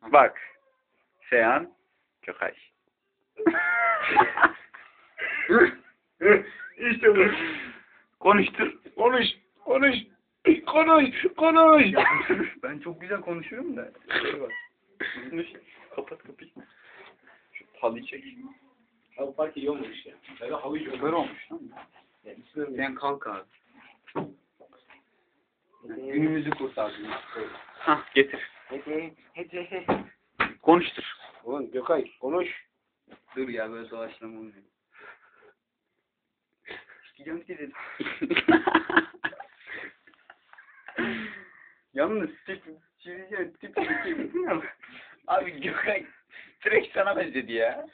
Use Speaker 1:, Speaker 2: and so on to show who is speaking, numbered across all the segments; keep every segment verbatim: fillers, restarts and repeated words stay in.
Speaker 1: Bak. Seyhan Gökay.
Speaker 2: İşte bu.
Speaker 1: Konuştur.
Speaker 2: Konuş. Konuş. Konuş. Konuş.
Speaker 1: Ben çok güzel konuşuyorum da. Şey var. Konuş. Kapat kapıyı. Şu halıyı çek.
Speaker 2: Abi park iyi olmamış ya. Böyle halı iyi
Speaker 1: Süper olmuş lan.
Speaker 2: Sen
Speaker 1: kalk abi.
Speaker 2: Günümüzü kurtardın.
Speaker 1: Hah getir.
Speaker 2: Hadi hadi.
Speaker 1: Konuştur.
Speaker 2: Ulan Gökay konuş.
Speaker 1: Dur ya böyle doğaçlama olmuyor. Gideceğim ki dedim. Yalnız tip çizeceğim tip tip. Abi Gökay direkt sana benzedi ya.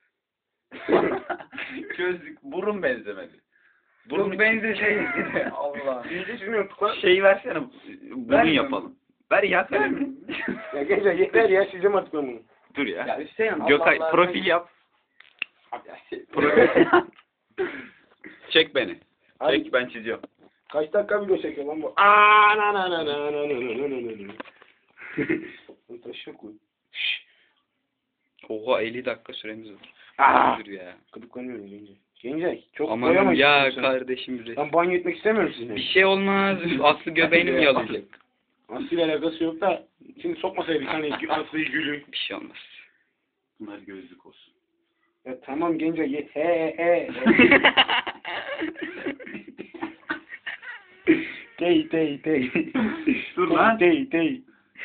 Speaker 1: Gözlük burun benzemedi. Burun benzeseydi. Allah.
Speaker 2: İyice şunu yaptık lan.
Speaker 1: Şey versene burun
Speaker 2: Ver
Speaker 1: yapalım. Ver ya kalemi.
Speaker 2: Ya gençler yeter ya sizce mi artık ben bunu?
Speaker 1: Dur ya.
Speaker 2: Ya Hüseyin
Speaker 1: Gökay
Speaker 2: Allah Allah.
Speaker 1: profil yap.
Speaker 2: Abi ya şey-
Speaker 1: Profil. Çek beni.
Speaker 2: Abi,
Speaker 1: Çek ben çiziyorum.
Speaker 2: kaç dakika video çekiyor lan bu? Aa na na na na na na na na na. Bunu taşıyor koy.
Speaker 1: Oha elli dakika süremiz var.
Speaker 2: Aa.
Speaker 1: Dur ya.
Speaker 2: Gıdıklanıyorum gence. Gence çok
Speaker 1: Aman
Speaker 2: koyamayız.
Speaker 1: ya kardeşim.
Speaker 2: Ben banyo etmek istemiyorum sizinle.
Speaker 1: Bir şey olmaz. Aslı göbeğini mi yalayacak?
Speaker 2: Aslı'yla alakası yok da şimdi sokmasaydık hani Aslı'yı Gül'ü.
Speaker 1: Bir şey olmaz.
Speaker 3: Bunlar gözlük olsun.
Speaker 2: Ya tamam gence ye he he. Tey tey tey.
Speaker 3: Dur lan.
Speaker 2: Tey tey.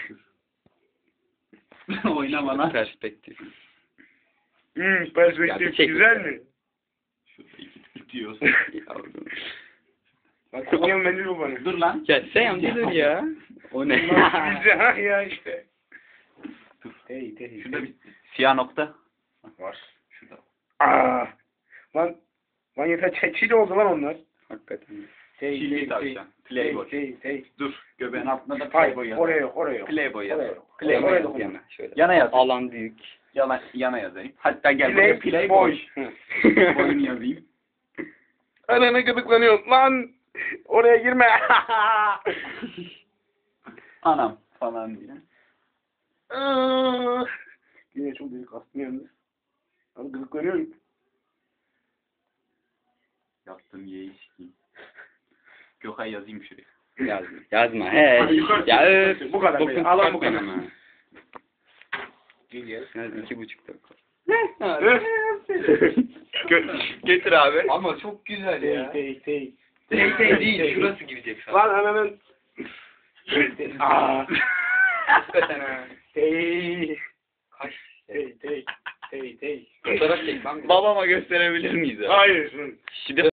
Speaker 3: Oynama lan.
Speaker 1: Perspektif.
Speaker 2: Hmm,
Speaker 1: Ya bir
Speaker 2: perspektif
Speaker 1: çek.
Speaker 2: güzel mi?
Speaker 3: Şurada iki bitiyor.
Speaker 1: Yavrum.
Speaker 2: Bak kokuyan mendil bu bana.
Speaker 3: Dur lan.
Speaker 1: Ya sen bir dur ya. O ne?
Speaker 2: Bizde ha ya işte. Tey tey.
Speaker 3: Şurada bir
Speaker 1: Siyah nokta.
Speaker 2: var.
Speaker 3: şurada.
Speaker 2: Aa. Lan lan yeter çil oldu lan onlar.
Speaker 1: Hakikaten.
Speaker 2: Tey
Speaker 3: Çilli tavşan. Playboy.
Speaker 2: Tey tey.
Speaker 3: Dur. Göbeğin altında da
Speaker 2: Hayır
Speaker 3: Playboy
Speaker 2: oraya
Speaker 3: yazar.
Speaker 2: yok oraya yok.
Speaker 3: Playboy
Speaker 2: Oraya
Speaker 3: yazar.
Speaker 2: yok.
Speaker 1: Playboy
Speaker 2: Oraya
Speaker 1: yaz
Speaker 2: dokunma.
Speaker 1: yana. Şöyle.
Speaker 3: Yana yaz.
Speaker 1: Alan büyük.
Speaker 3: Yana, yana yazayım. Hatta gel buraya
Speaker 2: Play
Speaker 3: Playboy.
Speaker 2: Hı.
Speaker 3: Boyunu yazayım.
Speaker 2: Anana gıdıklanıyor. Lan oraya girme.
Speaker 3: Anam falan diye.
Speaker 2: Yine çok büyük astım yalnız. Abi gıdıklanıyorum.
Speaker 3: Yaptım yeği sikeyim. Gökay yazayım şuraya.
Speaker 1: Yazma. Yazma. He.
Speaker 2: Hadi yukarı
Speaker 1: Ya
Speaker 2: çık.
Speaker 1: öf.
Speaker 2: Bu kadar
Speaker 1: Bokun
Speaker 2: be. Alan bu
Speaker 1: çıkartma
Speaker 2: kadar.
Speaker 1: ama.
Speaker 2: Gel gel.
Speaker 1: Yaz iki buçuk dakika.
Speaker 2: Gö-
Speaker 1: Getir abi.
Speaker 3: Ama çok güzel
Speaker 2: Tey
Speaker 3: ya.
Speaker 2: tey tey.
Speaker 1: Tek tek değil. Şurası girecek sana.
Speaker 2: Lan ananın. Aaa.
Speaker 1: Hakikaten ha.
Speaker 2: Tey.
Speaker 1: Kaç.
Speaker 2: Tey tey. Tey tey.
Speaker 1: Fotoğraf çek lan. Babama gösterebilir miyiz abi?
Speaker 2: Hayır.
Speaker 1: Şimdi